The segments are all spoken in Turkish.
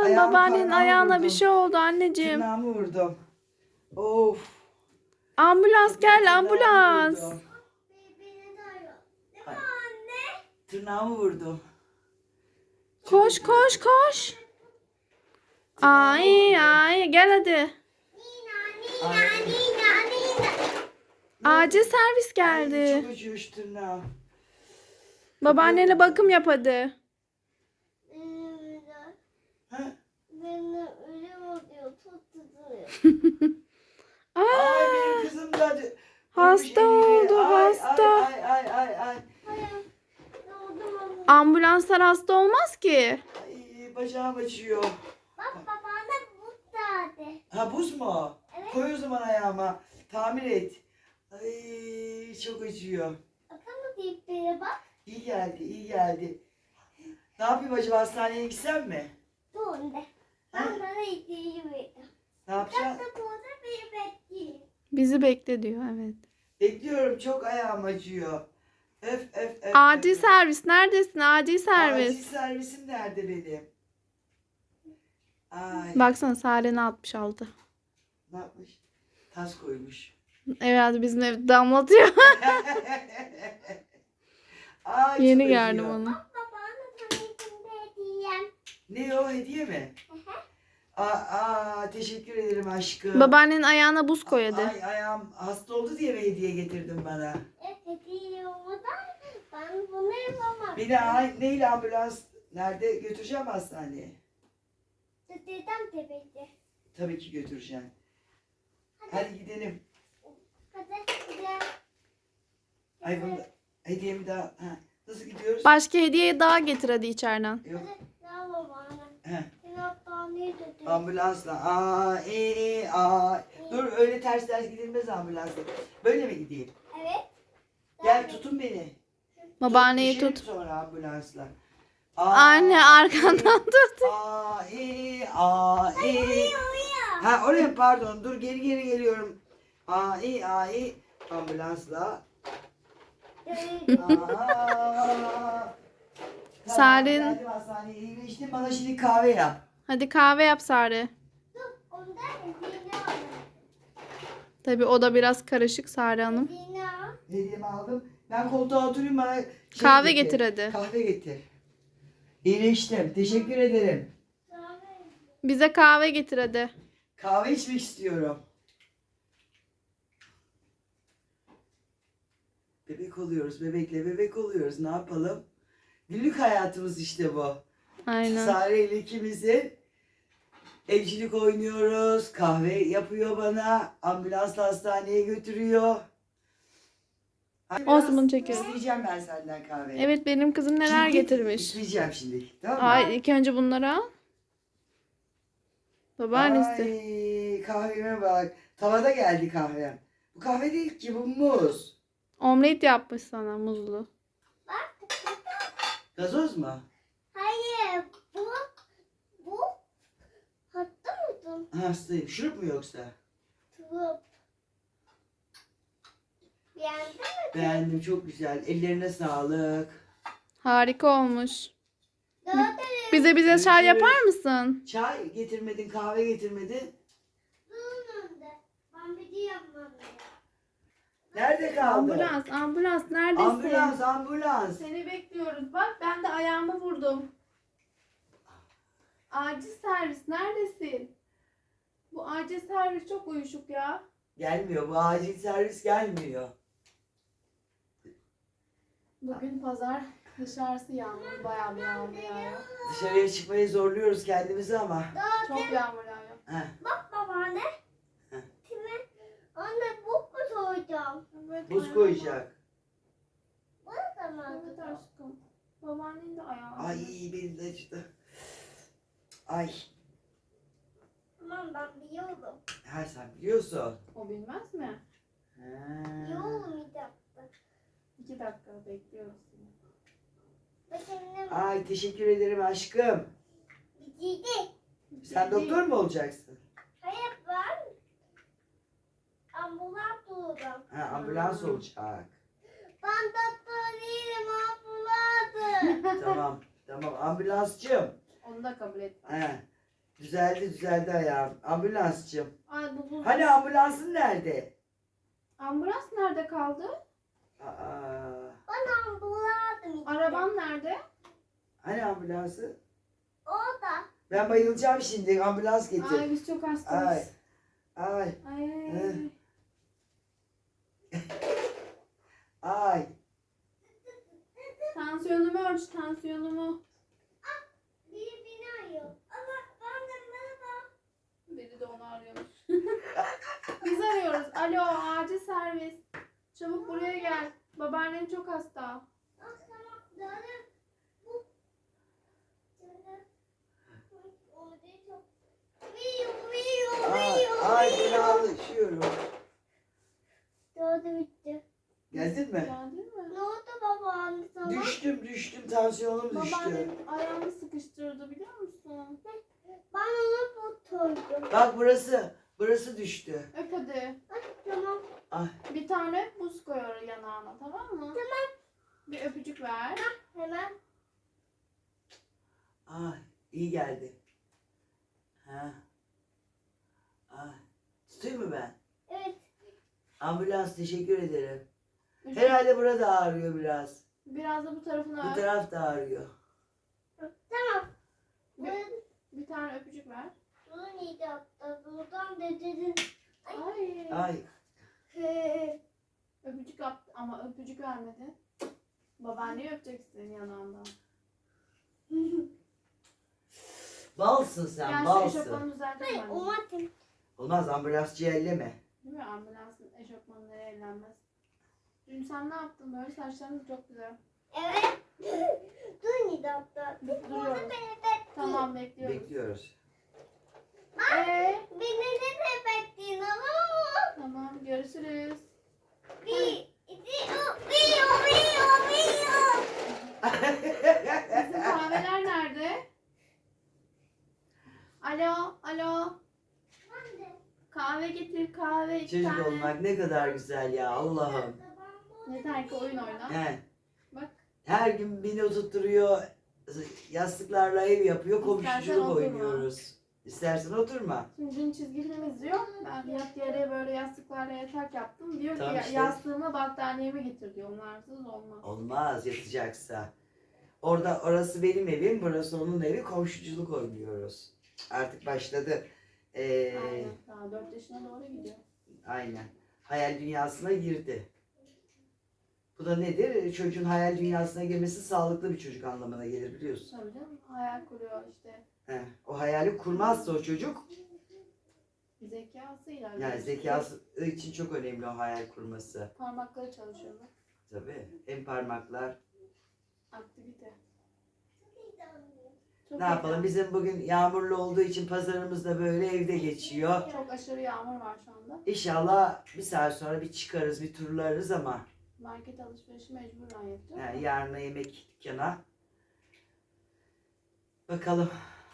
ayağımı babaannenin parmağımı ayağına bir vurdum. şey oldu anneciğim. Tırnağımı vurdum. Of. Ambulans gel, Tırnağımı ambulans. vurdum. Beni de arıyor. Değil mi Ay. anne? Tırnağımı vurdum. Çok Koş acıyor. koş koş. Tırnağımı Ay vurdum. ay gel hadi. Nina, Ay. Nina, Nina, Nina. Acil servis Ay, geldi. çok acıyor şu tırnağım. Babaannene bakım yap hadi. Ha? Beni ölüm oluyor, tut tutuyor. Ay Aa, benim kızım da hasta vurmuş elini. oldu, Ay, hasta. Ay. Hayır, doğdum ama. ambulanslar hasta olmaz ki. Ay bacağım acıyor. Bak babana bu tadı. Ha buz mu? Evet. Koy o zaman ayağıma. Tamir et. Ay çok acıyor. Bakalım tiplere bak. İyi geldi, iyi geldi. Ne yapayım acaba, hastaneye gitsem mi? Bu önde. Ben bana ihtiyacı verdim. Ne yapacağım? Hatta burada bir bekleyin. Bizi bekle diyor, evet. Bekliyorum, çok ayağım acıyor. Öf. Acil servis neredesin? Acil Acil servis. servisim nerede benim? Ay. Baksana Sare'ne 66. Ne yapmış? Tas koymuş. Evet bizim evde damlatıyor. Ay, Yeni çok geldim acıyor. onu. Babana tanıtımda hediyem. Ne o, hediye mi? Teşekkür ederim aşkım. Babaannenin ayağına buz koy hadi. Ay ayağım hasta oldu diye mi hediye getirdin bana? Evet hediye olmadan ben bunu yapamam. Beni neyle, ambulans nerede götüreceğim hastaneye? Dedem tepede. Tabii ki götüreceğim. Hadi gidelim. Hadi gidelim. Ay bunu hediyemi daha... Ha, nasıl gidiyoruz? Başka hediye daha getir hadi içeriden. Yok. Hadi ne babana. Heh, Sen hastaneye götür. ambulansla. Dur öyle ters gidilmez ambulansla. Böyle mi gideyim? Evet. Gel tutun beni. Babaanneyi Düşerim tut. sonra ambulansla. Anne arkandan tut. Uyuyor. Ha oraya pardon, dur geri geliyorum. Ambulansla. Sarin. Geldim hastaneye, iyileştim, bana şimdi kahve yap. Hadi kahve yap Sare. Dur onda hediyeni al. Tabii o da biraz karışık Sare Hanım. Hediyeni al. Hediyemi aldım. Ben koltuğa oturayım, bana şey Kahve getir hadi. Kahve getir. İyileştim. Teşekkür ederim. Bize kahve getir hadi. Kahve içmek istiyorum. Bebek oluyoruz. Bebekle bebek oluyoruz. Ne yapalım? Günlük hayatımız işte bu. Aynen. Sare ile ikimizin evcilik oynuyoruz. Kahve yapıyor bana. Ambulansla hastaneye götürüyor. Hadi Olsun, biraz bunu çekiyorum. İsteyeceğim ben senden kahve. Evet benim kızım neler Şimdi getirmiş. İsteyeceğim şimdi. Tamam mı? Ay ilk önce bunları al. Babaannesi. Ay kahveme bak. Tavada geldi kahvem. Bu kahve değil ki, bu muz. Omlet yapmış sana muzlu. Bak. Gazoz mu? Hayır. Bu. Hatta mısın? Hastayım. Şurup mu yoksa? Turup. Beğendin mi? Beğendim, çok güzel. Ellerine sağlık. Harika olmuş. Zaten Bize çay Görüşürüz. yapar mısın? Çay getirmedin, kahve getirmedin. bunun önünde. Ben bir şey yapmam lazım. Nerede kaldı? Ambulans neredesin? Ambulans. Seni bekliyoruz. Bak ben de ayağımı vurdum. Acil servis neredesin? Bu acil servis çok uyuşuk ya. Gelmiyor, bu acil servis gelmiyor. Bugün pazar, dışarısı yağmur, bayağı bir yağmur yağıyor. Dışarıya çıkmaya zorluyoruz kendimizi ama. Çok yağmur yağıyor. Heh, Bak babaanne. Heh. Şimdi anne bu mu soyacağım? Evet, buz ayağım koyacak. Bu da mı? var. Evet aşkım. Babaannen de ayağı. Ay benim de acıdı. Ay. Tamam ben biliyorum. Her sen biliyorsun. O bilmez mi? Biliyorum bir dakika. 2 dakika bekliyoruz seni. Bak şimdi Ay teşekkür ederim aşkım. bitirdi. Sen doktor mu olacaksın? Hayır ben ambulans olacağım. Ha, ambulans olacak. Ben doktor değilim ambulansım. Tamam. Tamam ambulansçım. Onu da kabul et. He. Düzeldi ayağım. Ambulansçım. Ay bu buz. Hani ambulansın nerede? Ambulans nerede kaldı? Aa, Ben ambulansım işte. Araban nerede? hani ambulansı? Orada. Ben bayılacağım şimdi. Ambulans getir. Ay biz çok Ay. hastayız. Ay. Ay. Hı. Ay. Tansiyonumu ölç, tansiyonumu. Biri beni arıyor. Ama ben de merhaba. Biri de onu arıyormuş. Biz arıyoruz. Alo, acil servis. Çabuk buraya gel. Babaannen çok hasta. Ah tamam. Canım. Bu. Canım. Orada çok. Ay fenalaşıyorum. Doğru bitti. Geldin mi? Geldin mi? Ne oldu babaanne sana? Düştüm. Tansiyonum düştü. Babaannem ayağımı sıkıştırdı biliyor musun? Ben onu tutturdum. Bak burası düştü. Öp hadi. Ay tamam. Ay. Bir tane buz koy oraya yanağına, tamam mı? Tamam. Bir öpücük ver. Hemen. Ay iyi geldi. Ha. Ay. Tutayım mı ben? Evet. Ambulans teşekkür ederim. Üç- Herhalde burada ağrıyor biraz. Biraz da bu tarafına Bu öp. taraf da ağrıyor. Tamam. Bir tane öpücük ver. Bunu neydi hatta? Buradan dedin. Ay. Ay. Öpücük yaptı ama öpücük vermedi. Babaanneyi öpeceksin yanağından. Balsın sen Yani şu balsın. eşofmanı düzeltelim Hayır anne. umarım. Olmaz ambulansçı elleme. Değil mi? Ambulansın eşofmanları ellenmez. Dün sen ne yaptın? Böyle saçların çok güzel. Evet. Dur neydi hatta? Duruyoruz. Beni bekleyin. Tamam bekliyoruz. Bekliyoruz. Beni de bekleyin ama. Tamam görüşürüz. Bir, iki, Bizim kahveler nerede? Alo. Kahve getir kahve. iki Çocuk tane. olmak ne kadar güzel ya Allah'ım. Yeter ki oyun oyna. He. Bak. Her gün beni oturtturuyor. Yastıklarla ev yapıyor. İstersen Komşuluk oturma. oynuyoruz. İstersen oturma. Şimdi dün çizgi film izliyor. Ben yat yere böyle yastıklarla yatak yaptım. Diyor Tamam ki işte. yastığımı battaniyemi getir diyor. Onlarsız olmaz. Olmaz yatacaksa. Orası benim evim, burası onun evi. Komşuculuk oynuyoruz. Artık başladı. Aynen. Daha 4 yaşına doğru gidiyor. Aynen. Hayal dünyasına girdi. Bu da nedir? Çocuğun hayal dünyasına girmesi sağlıklı bir çocuk anlamına gelir biliyorsun. Tabii canım. Hayal kuruyor işte. O hayali kurmazsa o çocuk, Zekasıyla. yani zekası için çok önemli o hayal kurması. Parmakları çalışıyor. Bak. Tabii. Hem parmaklar. Aktivite. Çok Ne yapalım? heyecanlı. Bizim bugün yağmurlu olduğu için pazarımız da böyle evde geçiyor. Çok aşırı yağmur var şu anda. İnşallah bir saat sonra bir çıkarız, bir turlarız ama Market alışverişi mecburen yapacağım. yani yarına yemek dükkana. Bakalım.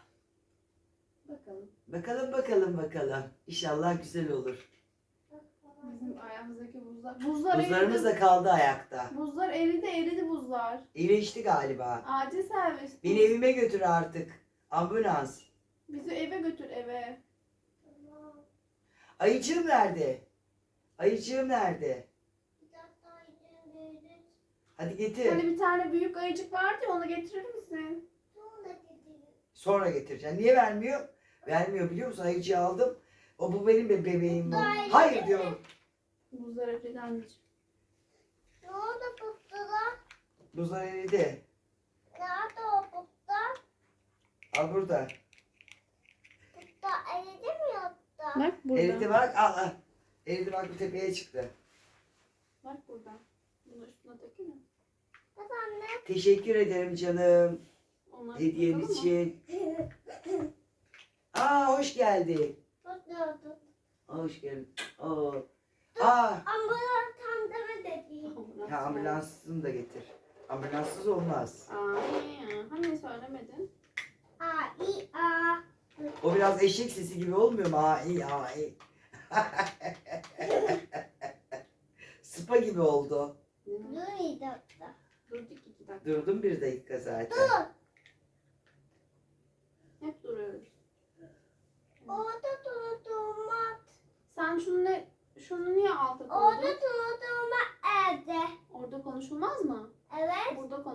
Bakalım. İnşallah güzel olur. Bizim ayağımızdaki buzlar. Buzlar Buzlarımız eridi. da kaldı ayakta. Buzlar eridi buzlar. İyileşti galiba. Acil servis. Beni evime götür artık. Ambulans. Bizi eve götür eve. Ayıcığım nerede? Hadi getir. Hani bir tane büyük ayıcık vardı ya, onu getirir misin? Sonra getireceğim. Niye vermiyor? Vermiyor biliyor musun? Ayıcığı aldım. Bu benim bebeğim. Hayır diyorum. Buzlar eridi anneciğim. Ne oldu putlular? Buzlar eridi. Nerede o putlar? Al burada. Putlar eridi mi yoksa? Bak burada. Eridi bak. Al. Eridi bak bu tepeye çıktı. Bak burada. Bunu üstüne takayım mı? Bak anne. Teşekkür ederim canım. Onları Hediyen takalım mı? için. Hoş geldin. Putluyordu. Hoş geldin. Aa. Ambulans tandemi dedi. Ambulans Ya yani. ambulansını da getir. Ambulanssız olmaz. Hani söylemedin? A. O biraz eşek sesi gibi olmuyor mu? Ai. Sıpa gibi oldu. Dur neydi hatta? Durduk 2 dakika. Durdum 1 dakika zaten. Dur. Hep duruyoruz.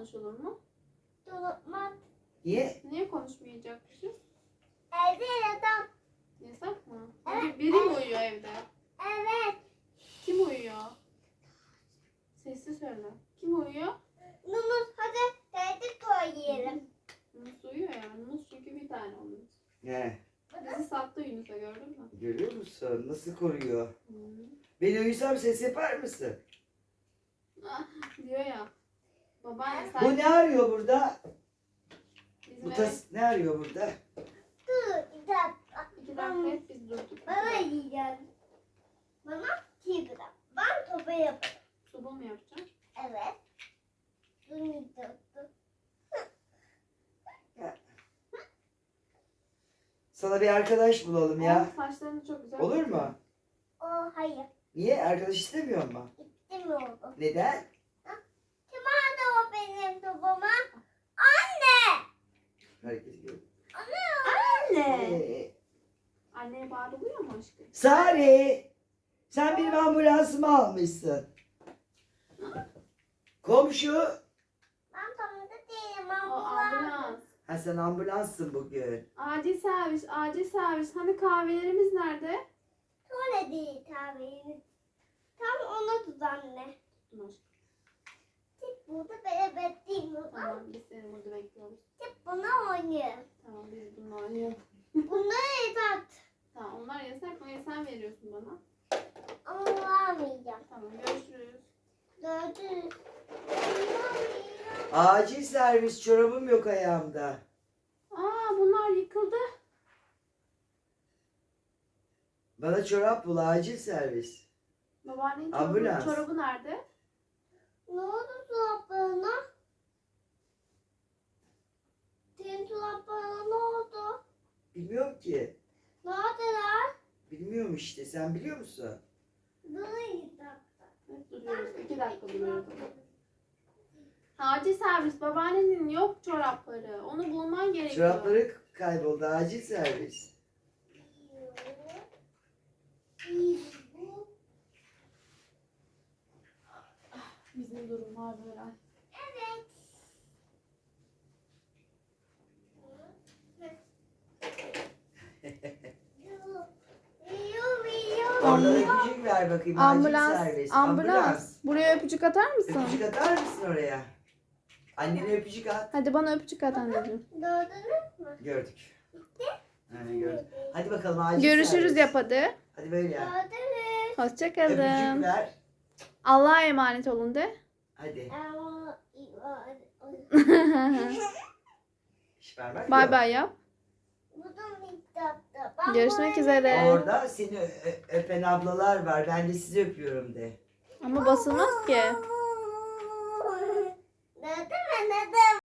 konuşulur mu? Dolapmak. Niye? Niye konuşmayacakmışız? Evde yatak. Yasak mı? Evet, Biri mi uyuyor evde? Evet. Kim uyuyor? Sesli söyle. Kim uyuyor? Numuz hadi teyze koyalım. Yunus uyuyor ya. Yunus çünkü bir tane onun. Ne? Bizi sattı Yunus'a, gördün mü? Görüyor musun? Nasıl koruyor? Hı. Ben uyusam ses yapar mısın? Ah, diyor ya. Babaanne Bu sen ne arıyor burada? bizim Bu eve tas ne arıyor burada? Dur bir dakika. 2 dakika hep biz durduk. Bana yiyeceğim. Bana çiğ bırak. Ben topu yaparım. Soba mı yapacağım? Evet. Durmayacaktım. Sana bir arkadaş bulalım ya. Oğlum, saçlarını çok güzel Olur yapıyor. mu? Hayır. Niye? Arkadaş istemiyor mu? İstemiyorum. Neden? Kim aldı o benim topumu? Anne. Herkes görüyor. Anne. Anneye bağırılıyor mu aşkım? Sari! Sen benim ambulansımı almışsın. Komşu! Ben tamamda değilim. O ambulans. Ha sen ambulanssın bugün. Acil servis, acil servis. Hani kahvelerimiz nerede? Sonra değil tabii. Tam ona tut anne. Tuttum aşkım. Tip burada beraber değil mi? Tamam, biz seni burada bekliyoruz. Tip buna oynuyor. Tamam, biz bununla oynayalım. Bunları yatak. Tamam, onlar yasak mı? Sen veriyorsun bana. Ama vermeyeceğim. Tamam, görüşürüz. Gördünüz. Acil servis, çorabım yok ayağımda. Aa, bunlar yıkıldı. Bana çorap bul, acil servis. Babaannenin Ambulans. çorabı nerede? Ne oldu dolaplarına? Senin dolaplarına ne oldu? Bilmiyorum ki. Neredeler? Bilmiyorum işte, sen biliyor musun? Böyle yatakta. Evet, duruyoruz. 2 dakika duruyoruz. Acil servis. Babaannenin yok çorapları. Onu bulman gerekiyor. Çorapları kayboldu, acil servis. Bu. Bizim durumlar böyle. Evet. Oradan öpücük ver bakayım, acil servis. Buraya öpücük atar mısın? Öpücük atar mısın oraya? Annene öpücük at. Hadi bana öpücük at anneciğim. Gördünüz mü? Gördük. Ha, gördük. Hadi bakalım acil Görüşürüz servis. yap hadi. Hadi böyle yap. Gördünüz. Hoşçakalın. Öpücük ver. Allah'a emanet olun de. Hadi. Ama İş vermek Bay yok. bay yap. bu da miktarda. Görüşmek üzere. Orada seni öpen ablalar var. Ben de sizi öpüyorum de. Ama basılmaz ki.